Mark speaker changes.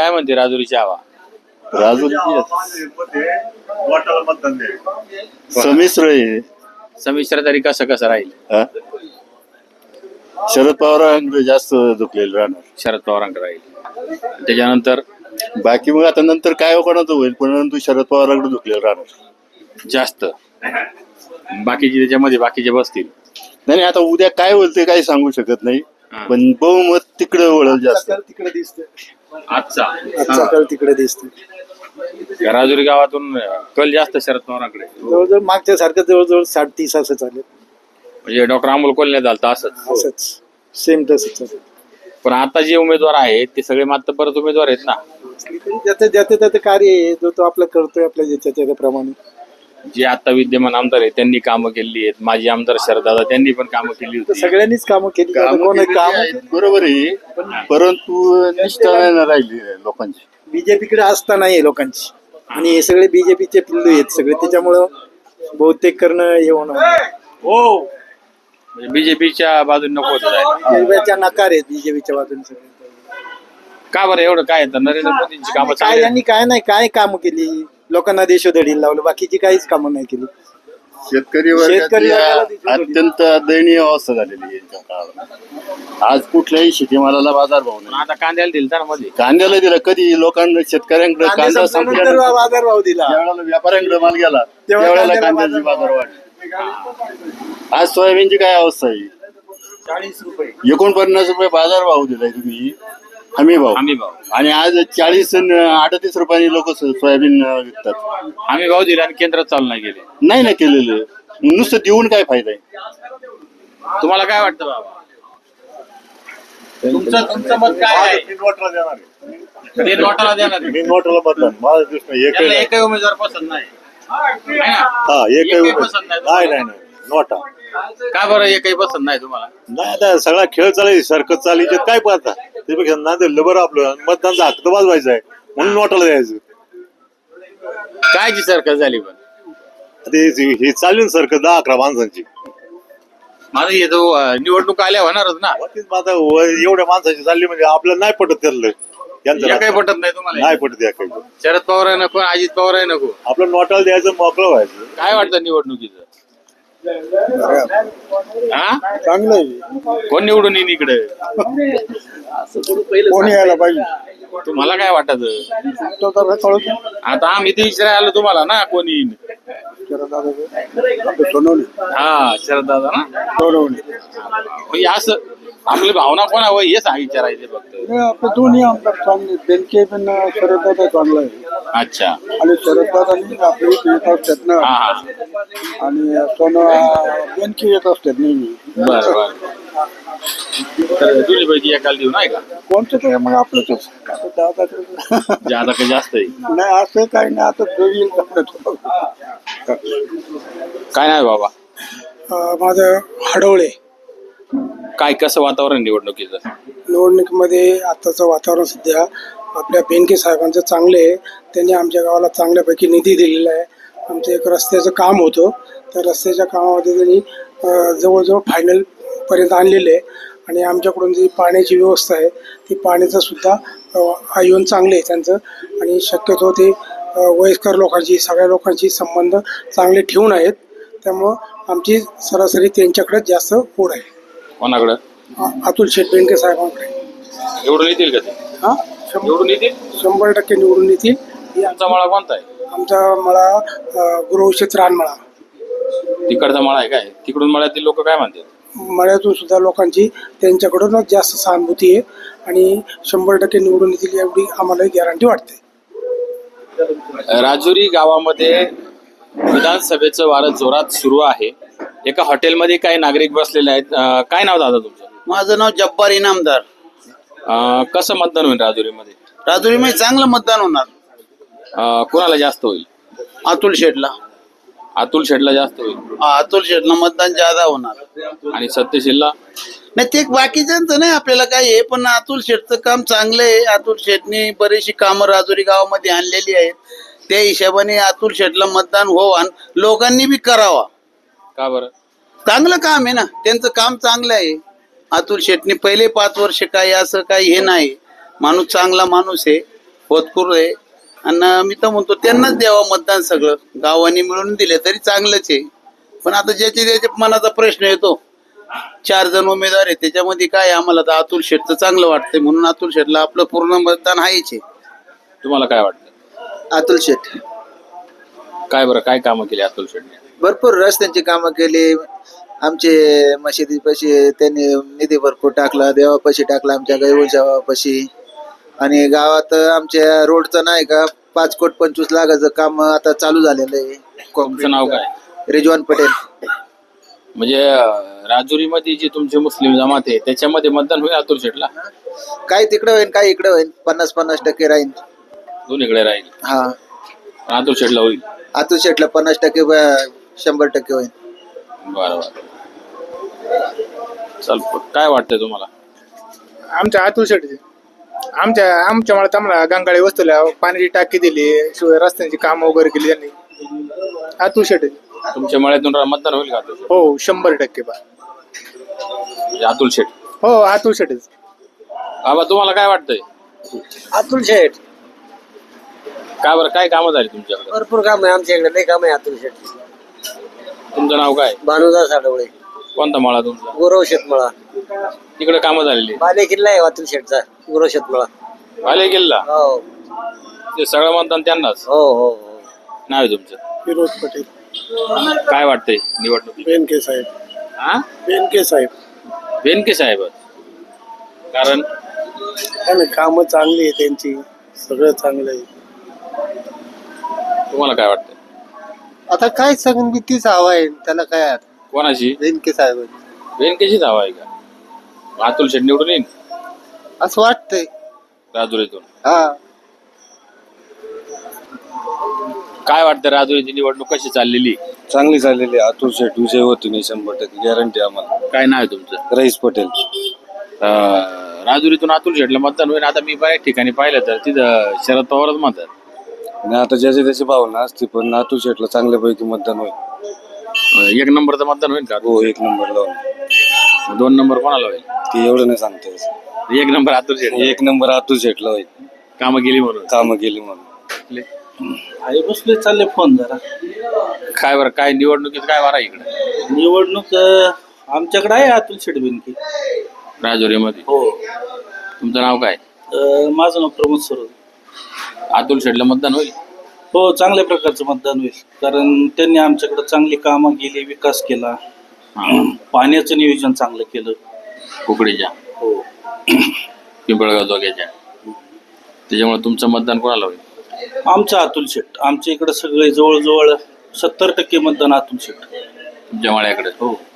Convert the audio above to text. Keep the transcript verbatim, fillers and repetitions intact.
Speaker 1: काय म्हणते राजुरीची हवा?
Speaker 2: राजुरी संमिश्र आहे.
Speaker 1: संमिश्र तरी कसं कसं राहील?
Speaker 2: हा? शरद पवारांकडे जास्त झुकलेलं राहणार.
Speaker 1: शरद पवारांकडे राहील. त्याच्यानंतर
Speaker 2: बाकी मग आता नंतर काय कोणाचं होईल, परंतु शरद पवारांकडे झुकलेलं राहणार
Speaker 1: जास्त. बाकीचे त्याच्यामध्ये बाकीचे बसतील.
Speaker 2: नाही नाही, आता उद्या काय होईल ते काही सांगू शकत नाही,
Speaker 1: हा.
Speaker 2: पण बहुमत तिकडे वळल जास्त.
Speaker 3: तिकडे दिसते
Speaker 1: आजचा
Speaker 3: आजचा कल तिकडे दिसते.
Speaker 1: राजुरी गावातून कल जास्त शरद पवारांकडे.
Speaker 3: जवळजवळ मागच्या सारखं जवळजवळ साठ तीस असं चालेल.
Speaker 1: म्हणजे डॉक्टर अमोल कोल्हे झालं असंच.
Speaker 3: असंच सेम तसंच चालेल.
Speaker 1: पण आता जे उमेदवार आहेत ते सगळे मात्र परत उमेदवार आहेत ना.
Speaker 3: ज्याचं ज्याचं त्याचं कार्य आहे, जो तो आपलं करतोय आपल्या ज्याच्या त्याच्याप्रमाणे.
Speaker 1: जे आता विद्यमान आमदार आहेत त्यांनी कामं केली आहेत. माजी आमदार शरददादा त्यांनी पण कामं केली
Speaker 3: तर
Speaker 1: होती.
Speaker 3: सगळ्यांनीच कामं केली.
Speaker 2: कामं
Speaker 3: कोण
Speaker 2: केलेली
Speaker 3: काम
Speaker 2: आहेत, बरोबर आहे, परंतु निष्ठा नाही राहिली लोकांची.
Speaker 3: बीजेपीकडे आस्था नाहीये लोकांची, आणि हे सगळे बीजेपीचे पिल्लू आहेत सगळे, त्याच्यामुळं बहुतेक करणं हे होणार.
Speaker 1: हो, बीजेपीच्या बाजूने नको होतं जायला.
Speaker 3: बीजेपीच्या नकार आहेत बीजेपीच्या बाजूने सगळे.
Speaker 1: का बरं एवढं काय तर नरेंद्र मोदींची कामं
Speaker 3: काय
Speaker 1: चांगली आहेत.
Speaker 3: यांनी काय नाही काय कामं केली, लोकांना देशोधडीला लावलं, बाकीची काहीच कामं नाही केली.
Speaker 2: शेतकरी
Speaker 3: शेतकरी
Speaker 2: वर्गाची
Speaker 3: वर्गाला दिसून येईल.
Speaker 2: अत्यंत दयनीय अवस्था झालेली आहे यांच्या काळात. आज कुठल्याही शेतीमालाला बाजार भाव
Speaker 1: पण
Speaker 2: नाही.
Speaker 1: आता कांद्याला दिल ना मध्ये.
Speaker 2: कांद्याला दिला कधी लोकांना, शेतकऱ्यांकडे
Speaker 3: कांदे
Speaker 2: कांदा
Speaker 3: संपल्यानंतर
Speaker 2: संपल्यानंतर
Speaker 3: बाजार भाव दिला.
Speaker 2: ज्यावेळेला व्यापाऱ्यांकडे माल गेला
Speaker 3: तेव्हा
Speaker 2: त्यावेळेला
Speaker 3: कांद्याला
Speaker 2: कांद्याची
Speaker 3: बाजार
Speaker 2: बाजार वाढली. आज सोयाबीनची काय अवस्था आहे?
Speaker 3: चाळीस रुपये
Speaker 2: एकोणपन्नास रुपये बाजार भाव दिलाय तुम्ही, हमी भाव,
Speaker 1: हमी भाव
Speaker 2: आणि आज चाळीस अडतीस रुपयांनी लोक सोयाबीन विकतात.
Speaker 1: हमी भाव दिला आणि केंद्रात चालू नाही गेले.
Speaker 2: नाही ना केलेलं, नुसतं देऊन काय फायदा आहे?
Speaker 1: तुम्हाला काय वाटतं बाबा? तुमचं तुमचं मत काय आहे? ते नोटाला देणार आहे.
Speaker 2: मी नोटाला मतदान, माझा प्रश्न एकही
Speaker 1: त्याला
Speaker 2: नाही.
Speaker 1: एकही उमेदवार पसंत नाही. है ना?
Speaker 2: हा, एकही
Speaker 1: एकही
Speaker 2: उमेदवार-
Speaker 1: पसंत नाही
Speaker 2: नाही
Speaker 1: तुम्हाला?
Speaker 2: नाही नाही, नोटा
Speaker 1: का बरं एकही पसंत नाही तुम्हाला?
Speaker 2: नाही. आता सगळा खेळ चालायची, सरकत चालायची, काय पाहता त्यापेक्षा ना दिलं बरं. आपलं मतदानचा हक्क तर वाजवायचा आहे, म्हणून नोटाला द्यायचं.
Speaker 1: काय जी सरकार झाली पण?
Speaker 2: ते हे चालेल सरकत दहा अकरा माणसांची.
Speaker 1: माझं हे जो अं, निवडणूक आल्या होणारच ना.
Speaker 2: तेच मग आता व- एवढ्या माणसाची चालली म्हणजे आपल्याला नाही पटत त्यातलं. यांचं
Speaker 1: एकही
Speaker 2: राजकारण.
Speaker 1: पटत नाही तुम्हाला?
Speaker 2: नाही पटत या काही.
Speaker 1: शरद पवार आहे नको, अजित पवार आहे नको.
Speaker 2: आपलं नोटाला द्यायचं, मोकळं व्हायचं.
Speaker 1: काय वाटतं निवडणुकीचं? हा,
Speaker 3: चांगलं आहे.
Speaker 1: कोण निवडून येईन इकडे?
Speaker 3: कोणी यायला पाहिजे
Speaker 1: तुम्हाला काय वाटत?
Speaker 3: तो तर कळत
Speaker 1: आता आम्ही ते विचारायला आलो तुम्हाला ना, कोण येईन?
Speaker 3: सोनवणे
Speaker 1: हा, शरद दादा ना.
Speaker 3: सोनवणे
Speaker 1: म्हणजे असं आपली भावना कोणा वय हे सांग विचारायचे फक्त.
Speaker 3: आपले दोन्ही आमदार चांगले. बेनके पण शरददादा चांगला आहे,
Speaker 1: अच्छा.
Speaker 3: आणि शरददादांनी आपले येत असतात ना,
Speaker 1: हा हा,
Speaker 3: आणि सोन बेनके येत असतात नेहमी.
Speaker 1: बरं बरं. तर दोन्ही पैकी एकाला देऊ नाही का?
Speaker 3: कोणतं ते मग आपलंच दादा
Speaker 1: जादा का जास्त आहे?
Speaker 3: नाही, असं काही नाही. आता जो येईल तो.
Speaker 1: काय नाही बाबा.
Speaker 3: अं, माझं हडवळे.
Speaker 1: काय कसं वातावरण निवडणुकीचं?
Speaker 3: निवडणुकीमध्ये आत्ताचं वातावरण सध्या आपल्या बेनके साहेबांचं चांगलं आहे. त्यांनी आमच्या गावाला चांगल्यापैकी निधी दिलेला आहे. आमचं एक रस्त्याचं काम होतं, तर रस्त्याच्या कामामध्ये त्यांनी अं, जवळजवळ फायनल पर्यंत आणलेलं आहे. आणि आमच्याकडून जी पाण्याची व्यवस्था आहे, ती पाण्याचं सुद्धा आयोजन चांगलं आहे त्यांचं. आणि शक्यतो ते अं, वयस्कर लोकांची, सगळ्या लोकांशी संबंध चांगले ठेवून आहेत. त्यामुळं आमची सरासरी त्यांच्याकडेच जास्त ओढ आहे.
Speaker 1: कोणाकडं?
Speaker 3: अ- अतुल शेठ बेनके साहेबांकडे.
Speaker 1: निवडून येतील का ते?
Speaker 3: हा, शंभर
Speaker 1: निवडून येतील?
Speaker 3: शंभर टक्के निवडून येतील. ही
Speaker 1: तुमचा मळा कोणता आहे?
Speaker 3: आमचा मळा अ, गुरुवंशीत रानमळा.
Speaker 1: तिकडचा मळा आहे काय? तिकडून मळ्यातील लोक काय म्हणतात?
Speaker 3: मळ्यातून सुद्धा लोकांची त्यांच्याकडूनच जास्त सहानुभूती आहे, आणि शंभर टक्के निवडून येतील एवढी आम्हाला गॅरंटी वाटते.
Speaker 1: राजुरी गावामध्ये विधानसभेचं वारं जोरात सुरू आहे. एका हॉटेलमध्ये काही नागरिक बसलेले आहेत. अं, काय नाव दादा तुमचं?
Speaker 4: माझं नाव जब्बार इनामदार.
Speaker 1: अं, कसं मतदान होईल राजुरीमध्ये?
Speaker 4: राजुरीमध्ये चांगलं मतदान होणार.
Speaker 1: अं, कोणाला जास्त होईल?
Speaker 4: अतुल शेठला.
Speaker 1: अतुल शेठला जास्त होईल.
Speaker 4: हा, अतुल शेठला मतदान ज्यादा होणार.
Speaker 1: आणि सत्यशीलला?
Speaker 4: नाही, ते बाकीच्यांचं नाही आपल्याला काय आहे, पण अतुल शेठचं काम चांगलं आहे. अतुल शेठने बरीचशी कामं राजुरी गावामध्ये आणलेली आहेत. त्या हिशोबाने अतुल शेठला मतदान हो, आणि लोकांनी बी करावा.
Speaker 1: का बरं?
Speaker 4: चांगलं काम आहे ना, त्यांचं काम चांगलं आहे. अतुल शेठने पहिले पाच वर्ष काही असं काही हे नाही, माणूस चांगला माणूस आहे. होतकरू आहे. आणि मी तर म्हणतो त्यांनाच द्यावं मतदान. सगळं गावांनी मिळून दिले तरी चांगलंच आहे. पण आता ज्याच्या ज्याच्या मनाचा प्रश्न येतो, चार जण उमेदवार आहे त्याच्यामध्ये काय आम्हाला तर अतुल शेठचं चांगलं वाटतंय म्हणून अतुल शेठला आपलं पूर्ण मतदान आहेच आहे.
Speaker 1: तुम्हाला काय वाटतं?
Speaker 5: अतुल शेठ
Speaker 1: काय बरं काय कामं केली अतुल शेटने?
Speaker 5: भरपूर रस्त्यांची कामं केली. आमचे मशिदी पशी त्यांनी निधी भरपूर टाकला, देवापाशी टाकला, आमच्या गायवशापाशी. आणि गावात आमच्या रोडचं नाही का पाच कोट पंचवीस लाखाचं काम आता चालू झालेलं आहे.
Speaker 1: तुमचं नाव काय?
Speaker 5: रिजवान पटेल.
Speaker 1: म्हणजे राजुरीमध्ये जी तुमची मुस्लिम जमात आहे त्याच्यामध्ये मतदान होईल अतुल शेटला?
Speaker 5: काय तिकडं होईल काय इकडं होईल, पन्नास पन्नास टक्के राहील.
Speaker 1: दोन्हीकडे राहील.
Speaker 5: हा,
Speaker 1: पण अतुल शेटला होईल.
Speaker 5: अतुल शेठला पन्नास टक्के ब- शंभर टक्के होईल.
Speaker 1: बरं बरं. चल काय वाटतंय तुम्हाला?
Speaker 3: आमच्या अतुल शेटचे आमच्या आमच्या मला आम्हाला गंगाळी वस्तूला पाण्याची टाकी दिली, शिवाय रस्त्यांची कामं वगैरे केली त्यांनी. अतुल शेट
Speaker 1: तुमच्या मळ्यातून रा- मतदान होईल का अतुल शेट?
Speaker 3: हो शंभर टक्के बा.
Speaker 1: म्हणजे अतुल शेट.
Speaker 3: हो अतुल शेटच.
Speaker 1: बाबा तुम्हाला काय वाटतंय?
Speaker 6: अतुल शेठ
Speaker 1: काय बरं काय कामं झाली तुमच्याकडे?
Speaker 6: भरपूर काम आहे आमच्या इकडे, लय काम आहे अतुल शेठ.
Speaker 1: तुमचं नाव काय?
Speaker 6: भानुदास साडवळे,
Speaker 1: कोणता मळा तुमचा?
Speaker 6: गुरव शेतमळा.
Speaker 1: तिकडे कामं झालेली?
Speaker 6: बाले किल्ला आहे अतुल शेठचा, गुरव शेतमळा.
Speaker 1: आले गेला
Speaker 6: हो
Speaker 1: ते सगळं मतदान त्यांनाच.
Speaker 6: हो हो हो.
Speaker 1: नाव आहे तुमचं?
Speaker 3: फिरोज पटेल.
Speaker 1: काय वाटतंय निवडणुकीत?
Speaker 3: बेनके साहेब.
Speaker 1: हा
Speaker 3: बेनके साहेब
Speaker 1: बेनके साहेब. कारण
Speaker 3: त्याने कामं चांगली आहे त्यांची, सगळं चांगलं आहे.
Speaker 1: तुम्हाला काय वाटतंय?
Speaker 5: आता काय सांगून मी तीच हवा आहे त्याला काय.
Speaker 1: कोणाची?
Speaker 5: बेनके साहेब
Speaker 1: बेनकेचीच हवा आहे का? मग अतुल शेट निवडून येईल
Speaker 5: असं वाटतंय.
Speaker 1: राजुरीतून?
Speaker 5: हा,
Speaker 1: काय वाटतं राजुरीची निवडणूक कशी चाललेली?
Speaker 7: चांगली झालेली आहे. अतुल शेठ विजय होती नाही शंभर टक्के गॅरंटी आम्हाला.
Speaker 1: काय नाव आहे तुमचं?
Speaker 7: रईस पटेल.
Speaker 1: अं, राजुरीतून अतुल शेटला मतदान होईल. आता मी बऱ्याच ठिकाणी पाहिलं तर तिथं शरद पवारच म्हणतात.
Speaker 7: आणि आता ज्याची त्याची भावना असते पण अतुल शेठला चांगल्यापैकी मतदान होईल.
Speaker 1: अं, एक नंबरचं मतदान होईल का?
Speaker 7: हो एक नंबर लावून.
Speaker 1: दोन नंबर कोणाला होईल?
Speaker 7: ते एवढं नाही सांगता येत.
Speaker 1: एक नंबर अतुल शेट.
Speaker 7: एक नंबर अतुल शेठला होईल.
Speaker 1: कामं केली म्हणून.
Speaker 7: कामं केली म्हणून.
Speaker 8: आहे बसले चालले फोन जरा.
Speaker 1: काय बरं काय निवडणुकीत काय वारा इकडे
Speaker 8: निवडणूक अं, आमच्याकडे आहे अतुल शेठ बेनके.
Speaker 1: राजुरीमध्ये?
Speaker 8: हो.
Speaker 1: तुमचं नाव काय?
Speaker 8: अं, माझं नाव प्रमोद सरोदे.
Speaker 1: अतुल शेटला मतदान होईल?
Speaker 8: हो चांगल्या प्रकारचं मतदान होईल, कारण त्यांनी आमच्याकडे चांगली कामं केली, विकास केला, पाण्याचं नियोजन चांगलं केलं.
Speaker 1: कुकडीच्या?
Speaker 8: हो.
Speaker 1: पिंपळगाव जोग्याच्या? त्याच्यामुळे तुमचं मतदान कोणाला होईल?
Speaker 8: आमचं अतुल शेठ. आमच्या इकडे सगळे जवळजवळ सत्तर टक्के मतदान अतुल शेठ.
Speaker 1: तुमच्या मळ्याकडे?
Speaker 8: हो.